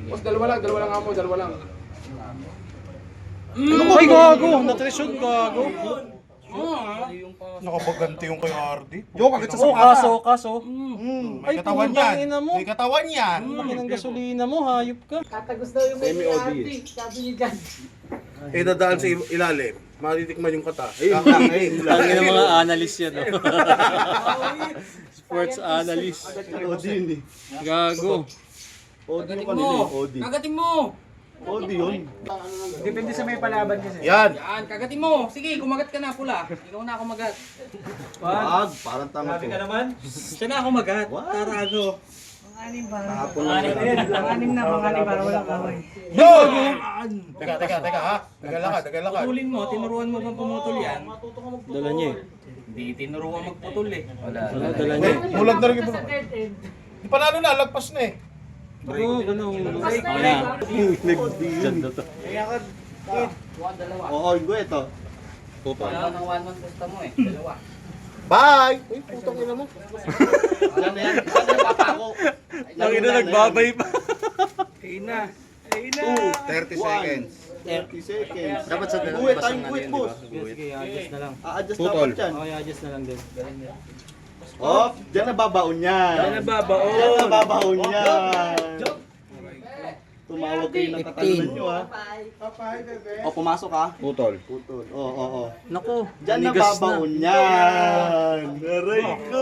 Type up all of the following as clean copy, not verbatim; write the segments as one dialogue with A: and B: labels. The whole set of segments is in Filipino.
A: Boss, dalawa lang ako, dalawa lang.
B: Ay, gago! Natresyon, gago.
C: Nakabaganti yung kay RD.
B: Yo, kagad sa kaso.
C: May
B: Ay,
C: katawan
B: putang
C: yan.
B: ina mo.
C: May katawan yan.
B: Laki ng gasolina mo, hayop ka.
D: Tatagos daw yung may sabi ni Jan.
C: Eh, dadaan sa ilalim. Matitikman yung kata.
B: Ayun lang, ayun lang. Ang mga analyst yan, no? Sports analyst.
E: Odin eh.
B: Gago.
E: Odin yung kanina eh. Odin.
F: Kagatin mo!
E: Odin yun.
D: Depende sa may palaban kasi.
C: Yan.
F: Yan, kagatin mo! Sige, kumagat ka na pula. Ikaw na ako magat.
E: Wag, parang tanga to.
F: Siya na ako magat. Tarago.
D: Anim para.
E: Kahapon lang yan.
D: Anim na mga para walang kaway.
C: Yo! Teka ha. Tagal lakad.
F: Putulin mo, tinuruan mo bang pumutol yan?
B: Dala niya eh.
F: Hindi tinuruan magputol eh.
B: Wala, dala niya eh.
C: Mulag na rin yung
D: Sa dead end.
C: Di panalo na, lagpas na eh.
B: Oo, ganun.
D: Basta
B: Ganda to.
E: Oo, gue ito.
F: Wala nang 1-1 gusto mo eh. Dalawa.
C: Bye! Uy, putang ina mo.
E: Alam na yan. Ano yung papa ko?
B: Ang ina nagbabay pa.
C: 30 seconds.
E: 30 seconds.
B: Dapat sa
E: Gue, time quit, boss.
B: Sige, adjust na lang.
E: A-adjust dapat yan.
B: Okay, adjust na lang din.
E: Oh, dyan nababaon yan. Dyan nababaon yan. Tumawag kayo ng katalunan nyo ha. O, pumasok ha.
C: Putol.
E: Putol. Oo.
B: Naku,
E: Dyan
B: manigas
E: nababaon yan. Aray ko.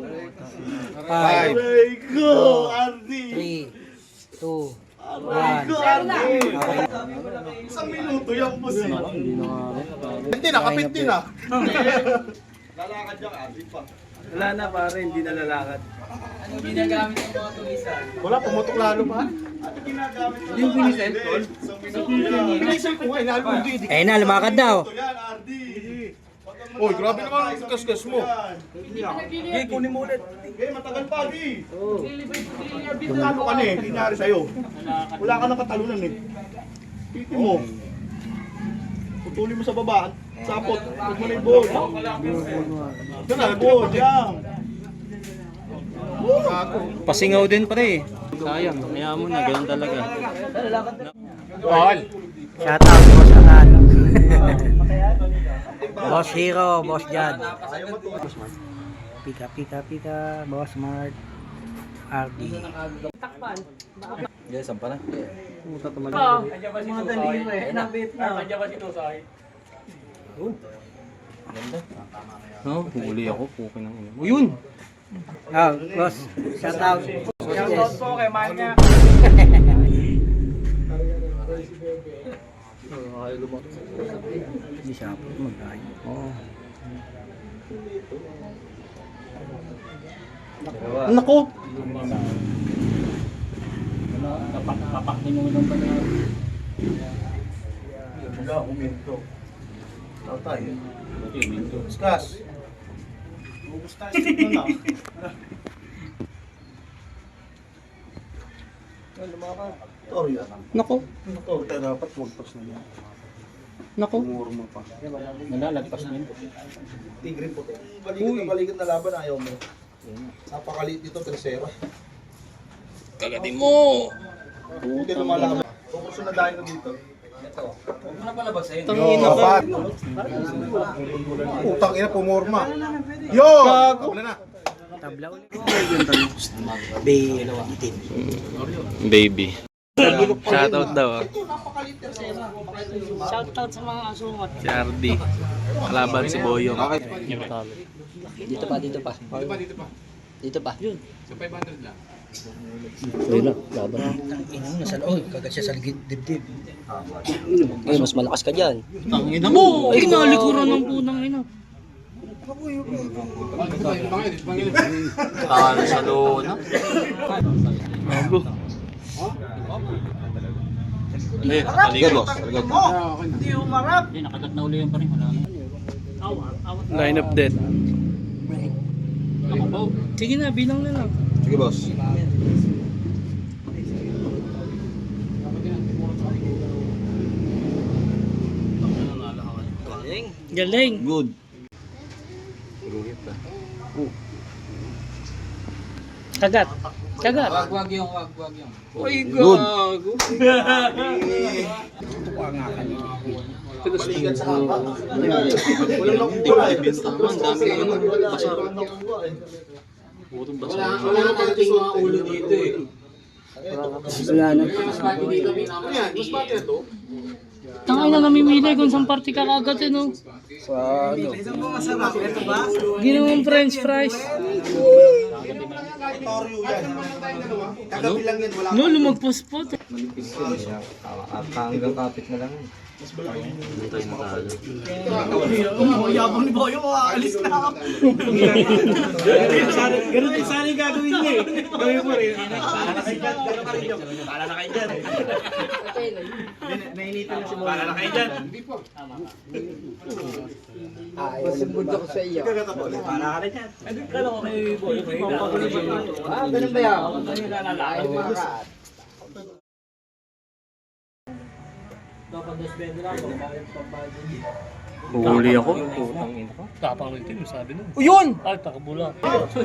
E: Aray ko, Ardi.
D: 3, 2,
E: Aray ko, Ardi. Isang minuto yan, boss.
B: Hindi na nga rin.
C: Hindi, nakapit din ah.
E: Lalakad yan, Ardi pa.
D: Wala na pare, hindi na lalakad.
F: Ano ginagamit ng mga tulisan?
C: Wala, pumutok lalo pa.
E: Ano ginagamit mo?
F: Yung pinisel, tol?
E: Isang minuto yan.
C: Pinaisal ko nga, inalo hindi.
D: Eh na, lumakad daw.
E: Ito yan, Ardi.
C: Uy, grabe naman ang kaskas mo.
E: Okay, kunin mo ulit. Okay, matagal pa, Ardi. Talo ka na eh, hindi nangyari sa'yo. Wala ka ng katalunan eh. Piti mo. Putulin mo sa baba. Sapot. Huwag mo na yung ball. Ito na, ball. Yan.
B: Pasingaw din pre. Sayang, kaya mo na, ganun talaga.
C: Ball.
D: Shout out Boss Angan. Boss Hero, Boss Jan. Pika, Boss Mart. RD.
B: Yes, sampa na. Puta tumagal.
D: Mga daliri eh. Nabit na.
B: No, huli ako, pukin ng ina. O yun!
D: Oh, boss. Shout out. Shout out po kay Manya. Hindi siya po mag-ayo. Oo.
B: Nako!
C: Wala, uminto. Tatay. Discuss.
E: Ubus tayo sa ito na. Sorry.
B: Nako!
E: Ito dapat wagpas na yan.
B: Nako!
E: Umurma pa.
B: Nalalagpas na yun.
C: Tigre po.
E: Balikat na laban ayaw mo.
C: Napakaliit dito, tercera.
B: Kagatin mo!
E: Hindi lumalaban. Focus na dahil ko dito.
F: Huwag mo na palabas sa'yo.
B: Tangina ka!
C: Utang ina, pumorma. Yo! Wala na.
D: Tabla ulit. Bay, itim.
B: Baby. Shoutout daw ah.
D: Shout out sa mga asungot.
B: Si RD. Kalaban si Boyong.
D: Dito pa. Dito pa. Yun.
A: Sa 500 lang.
D: Ayun na, laban. Inang nasa loob, kagat siya sa ligid dibdib. Ay, mas malakas ka dyan.
B: Tangina mo! Ay, nalikuran ng punang ina. Talo sa lona. Bago. Eh, aligat boss. Aligat.
D: Hindi umarap.
B: Hindi, nakagat na uli yung pa rin. Wala na. Line up dead. Sige na, bilang na lang.
C: Sige, boss.
B: Galing.
E: Good.
B: Kagat.
D: Tiyaga.
F: Wag yung.
B: Ay, gago.
E: Balikan sa hapa. Walang nakukuha.
B: Ang dami yun. Basa. Purong basa.
F: Wala na ating mga ulo dito eh.
D: Wala na.
F: Mas pati dito pinama.
C: Ano yan? Mas pati na to?
G: Tangay na namimili kung saan party ka kagad eh, no?
D: Sa ano?
G: Ginawang french fries.
E: Toryo yan. Kagabi lang yan. Wala
G: No, lumagpos po.
D: Hanggang kapit na lang.
B: Hindi tayo natalo.
E: yabang ni Boyo. Aalis na ako.
D: Ganun din sana yung gagawin niya eh. Gawin mo rin.
E: Para na kayo dyan. Nainitan na si Boyo. Para na kayo dyan.
D: Masumbod ako sa iyo.
E: Para ka na dyan.
D: Ganun ba yan?
B: Huli ako. Putang ina ko.
G: Tapang rin mo sabi nun.
B: Yun!
G: Ay, takbo lang.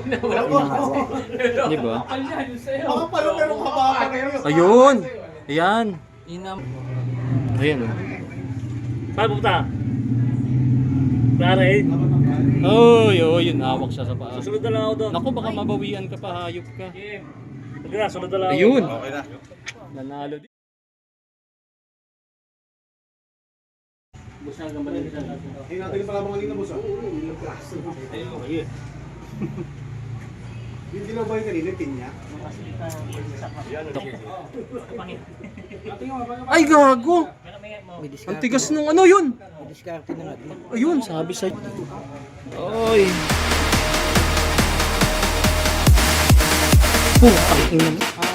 B: Di ba?
E: Baka pala pero kabaka na yun.
B: Ayun! Ayan!
F: Inam.
B: Ayan oh.
G: Saan pupunta? Klaro eh.
B: Oy, oy, yun. Hawak siya sa paa.
G: Sunod na lang ako doon.
B: Naku, baka mabawian ka pa. Hayop ka.
G: Sige na, sunod na lang ako.
B: Ayun!
E: Okay na.
B: Nanalo din.
C: Hinatay pala mga kanina, boss. Yung dilaw ba yung kanina, tin niya?
B: Ay, gago! Ang tigas nung ano yun!
D: Diskarte na natin.
B: Ayun, sabi sa... Oy! Putang ina mo.